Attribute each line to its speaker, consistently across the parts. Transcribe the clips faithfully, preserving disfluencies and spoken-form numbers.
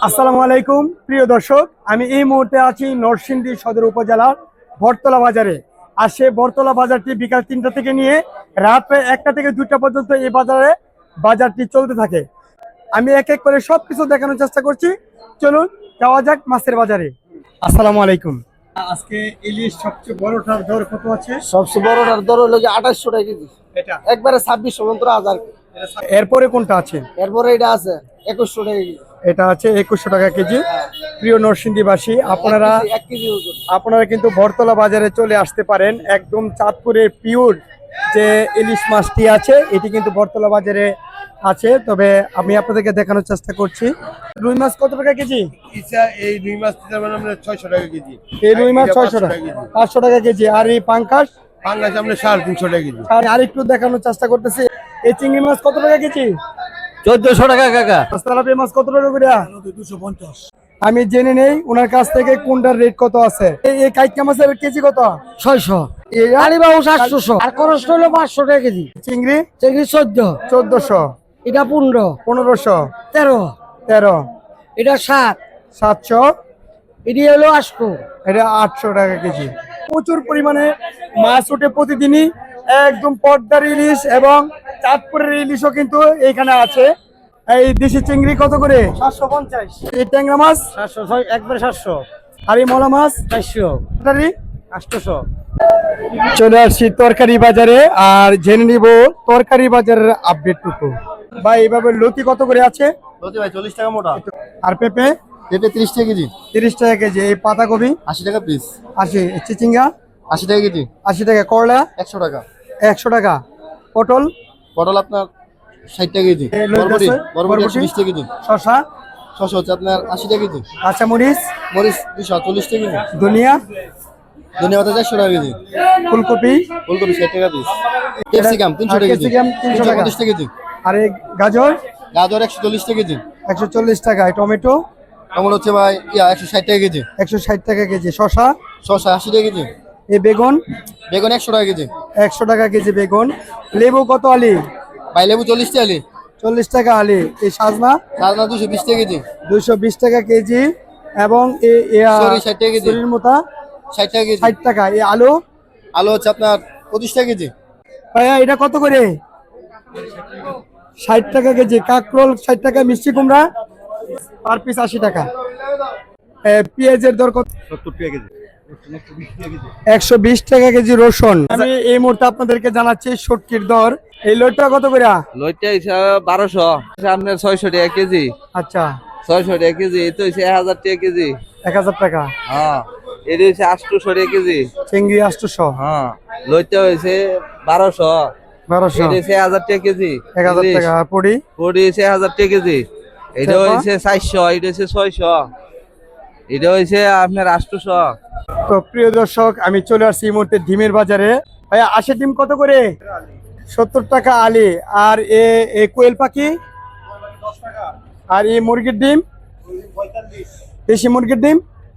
Speaker 1: আসসালামু আলাইকুম প্রিয় দর্শক, আমি এই মুহূর্তে আছি নরসিংদী সদর উপজেলার বটতলা বাজারে। আর সে বটতলা বাজারটি বিকাল তিনটা থেকে নিয়ে রাত প্রায় একটা থেকে দুইটা পর্যন্ত এই বাজারে বাজারটি চলতে থাকে। আমি এক এক করে সবকিছু দেখানোর চেষ্টা করছি। চলুন যাওয়া যাক মাছের বাজারে। আসসালামু আলাইকুম। আজকে ইলিশ সবচেয়ে বড়টার দর কত আছে?
Speaker 2: সবচেয়ে বড়টার দর হলো যে আঠাশশো টাকা কেজি,
Speaker 1: এটা
Speaker 2: একবারে ছাব্বিশশো পর্যন্ত হাজার।
Speaker 1: এরপরে কোনটা আছে?
Speaker 2: এরপরে এটা আছে একুশশো টাকা কেজি।
Speaker 1: এটা আছে একুশশো টাকা কেজি। প্রিয় নরসিংদীবাসী, আপনারা
Speaker 2: এক কেজি ওজন।
Speaker 1: আপনারা কিন্তু বটতলা বাজারে চলে আসতে পারেন। একদম চাঁদপুরের পিওর যে ইলিশ মাছটি আছে এটি কিন্তু বটতলা বাজারে আছে। তবে আমি আপনাদেরকে দেখানোর চেষ্টা করছি। রুই মাছ কত টাকা কেজি?
Speaker 3: এই রুই মাছ আমরা ছয়শো টাকা কেজি।
Speaker 1: এই রুই মাছ ছয়শো টাকা, পাঁচশো টাকা কেজি। আর এই পাঙ্কাশ
Speaker 3: পাঙ্গাস আমরা সাড়ে তিনশো টাকা কেজি।
Speaker 1: আর একটু দেখানোর চেষ্টা করতেছি। এই চিংড়ি মাছ কত টাকা কেজি?
Speaker 2: চোদ্দশো টাকা কাকা।
Speaker 1: তেলাপিয়া মাছ কত টাকা করে?
Speaker 3: দুশো পঞ্চাশ।
Speaker 1: আমি জেনে নেই ওনার কাছ থেকে কোনটার রেট কত আছে। এই কাইকা মাছের কেজি কত?
Speaker 2: ছয়শো।
Speaker 1: এই
Speaker 2: আলিবাবু সাতশো। আর করস হলো পাঁচশো টাকা কেজি।
Speaker 1: চিংড়ি
Speaker 2: চিংড়ি চোদ্দ।
Speaker 1: চোদ্দশো।
Speaker 2: এটা পনেরো।
Speaker 1: পনেরোশো।
Speaker 2: তেরো।
Speaker 1: তেরো।
Speaker 2: এটা সাত।
Speaker 1: সাতশো।
Speaker 2: এটি হলো আটশো।
Speaker 1: এটা আটশো টাকা কেজি। প্রচুর পরিমাণে মাছ ওঠে প্রতিদিনই। একদম পদ্মার ইলিশ এবং চাঁদপুরের ইলিশও কিন্তু এখানে আছে। এই দেশি চিংড়ি কত করে?
Speaker 2: সাতশো পঞ্চাশ।
Speaker 1: এই ট্যাংরা মাছ
Speaker 2: সাতশো ছয় একবারে সাতশো।
Speaker 1: আর এই মলা মাছ
Speaker 2: চারশো। আটশোশো।
Speaker 1: চলে আসছি তরকারি বাজারে আর জেনে নিব তরকারি বাজারের আপডেটটুকু। ভাই এইভাবে লতি কত করে আছে?
Speaker 3: লতি ভাই চল্লিশ টাকা মোটা।
Speaker 1: আর পেঁপে?
Speaker 3: পেঁপে তিরিশ টাকা কেজি।
Speaker 1: তিরিশ টাকা কেজি। এই পাতাকপি?
Speaker 3: আশি টাকা পিস।
Speaker 1: আশি। চিচিঙ্গা?
Speaker 3: আশি টাকা কেজি।
Speaker 1: আশি টাকা। করলা?
Speaker 3: একশো টাকা।
Speaker 1: একশো টাকা। পটল?
Speaker 3: পটল আপনার ষাট টাকা কেজি।
Speaker 1: এই লতি
Speaker 3: বরবটি
Speaker 1: আছে?
Speaker 3: বরবটি একশো বিশ টাকা কেজি।
Speaker 1: শসা?
Speaker 3: ছশো হচ্ছে আপনার আশি টাকা কেজি।
Speaker 1: কাঁচা মরিচ?
Speaker 3: মরিচ দুশো চল্লিশ টাকা কেজি।
Speaker 1: ধনিয়া?
Speaker 3: ধনিয়া পাতা চারশো টাকা কেজি।
Speaker 1: ফুলকপি?
Speaker 3: ফুলকপি ষাট টাকা পিস। ক্যাপসিকাম তিনশো টাকা কেজি।
Speaker 1: ক্যাপসিকাম তিনশো টাকা।
Speaker 3: পঞ্চাশ টাকা কেজি।
Speaker 1: আর এই গাজর?
Speaker 3: গাজর একশো চল্লিশ টাকা কেজি।
Speaker 1: একশো চল্লিশ টাকা। টমেটো?
Speaker 3: টমেটো হচ্ছে ভাই ইয়া একশো ষাট টাকা কেজি।
Speaker 1: একশো ষাট টাকা কেজি। শসা?
Speaker 3: শসা আশি টাকা কেজি।
Speaker 1: এই বেগুন?
Speaker 3: বেগুন একশো টাকা কেজি।
Speaker 1: একশো টাকা কেজি বেগুন। লেবু কত আলি?
Speaker 3: ভাই লেবু চল্লিশ টাকা আলি।
Speaker 1: চল্লিশ টাকা আলি। এই সাজনা?
Speaker 3: সাজনা দুশো বিশ টাকা কেজি।
Speaker 1: দুইশো বিশ টাকা কেজি। এবং
Speaker 3: সরি ষাট টাকা কেজি।
Speaker 1: মোতা
Speaker 3: ষাট টাকা কেজি।
Speaker 1: ষাট টাকা। এই আলু?
Speaker 3: আলু হচ্ছে আপনার পঁচিশ টাকা কেজি।
Speaker 1: ভাইয়া এটা কত করে? ষাট টাকা কেজি। কাকরোল ষাট টাকা। মিষ্টি কুমড়া পার পিস আশি টাকা। পেঁয়াজের দর কত?
Speaker 3: সত্তর টাকা কেজি।
Speaker 1: একশো বিশ টাকা কেজি রসুন। আমি এই মুহূর্তে আপনাদেরকে জানাচ্ছি শুটকির দর। এই লোটটা কত করে?
Speaker 4: লইটা হিসাবে বারোশো, আপনার ছয়শো টাকা কেজি।
Speaker 1: আচ্ছা,
Speaker 4: ছয়শো টাকা কেজি। এটা হচ্ছে এক হাজার টাকা কেজি।
Speaker 1: এক হাজার টাকা।
Speaker 4: হ্যাঁ, এটা হচ্ছে আটশোশো টাকা কেজি।
Speaker 1: চিংড়ি আটশোশো।
Speaker 4: হ্যাঁ, লইটা হয়েছে বারোশো।
Speaker 1: বারোশো।
Speaker 4: এটা হচ্ছে এক হাজার টাকা কেজি।
Speaker 1: এক হাজার টাকা। পড়ি
Speaker 4: পড়ি হচ্ছে এক হাজার টাকা কেজি। এটা হয়েছে চারশো, এটা হচ্ছে ছয়শো, এটা হয়েছে আপনার আটশোশো।
Speaker 1: তো প্রিয় দর্শক, আমি চলে আসছি এই মুহূর্তে ডিমের বাজারে। ভাইয়া আশি ডিম কত করে? সত্তর টাকা আলি। আর এ কোয়েল পাখি? আর এই মুরগির ডিম? দেশি মুরগির ডিম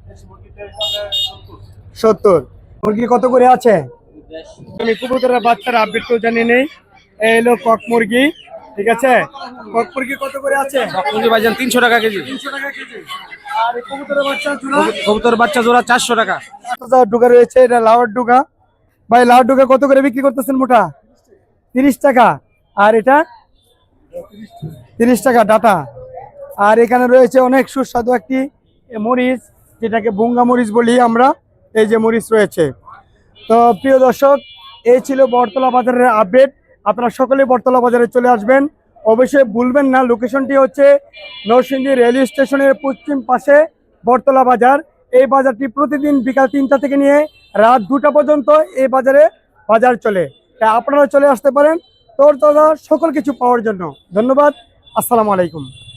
Speaker 1: সত্তর। মুরগি কত করে আছে? আমি কবুতরের বাচ্চার আপডেট তো জানি নেই। এই হলো কক মুরগি, ঠিক আছে। কক মুরগি কত করে আছে?
Speaker 2: মুরগি ভাইজান তিনশো টাকা কেজি।
Speaker 1: তিনশো টাকা কেজি। আর এই কবুতরের বাচ্চা জোড়া?
Speaker 2: কবুতর বাচ্চা জোড়া চারশো টাকা।
Speaker 1: ডুগা রয়েছে, এটা লাউয়ার ডুগা। ভাই লাউয়ার ডুগা কত করে বিক্রি করতেছেন মোটা? তিরিশ টাকা। আর এটা তিরিশ টাকা ডাটা। আর এখানে রয়েছে অনেক সুস্বাদু একটি মরিচ, যেটাকে বুঙ্গা মরিচ বলি আমরা। এই যে মরিচ রয়েছে। তো প্রিয় দর্শক, এই ছিল বটতলা বাজারের আপডেট। আপনারা সকলেই বটতলা বাজারে চলে আসবেন। অবশ্যই ভুলবেন না, লোকেশনটি হচ্ছে নরসিংদী রেল স্টেশনের পশ্চিম পাশে বটতলা বাজার। এই বাজারটি প্রতিদিন বিকাল তিনটা থেকে নিয়ে রাত দুটা পর্যন্ত এই বাজারে বাজার চলে। তাই আপনারা চলে আসতে পারেন তোর দাদা সকল কিছু পাওয়ার জন্য। ধন্যবাদ। আসসালামু আলাইকুম।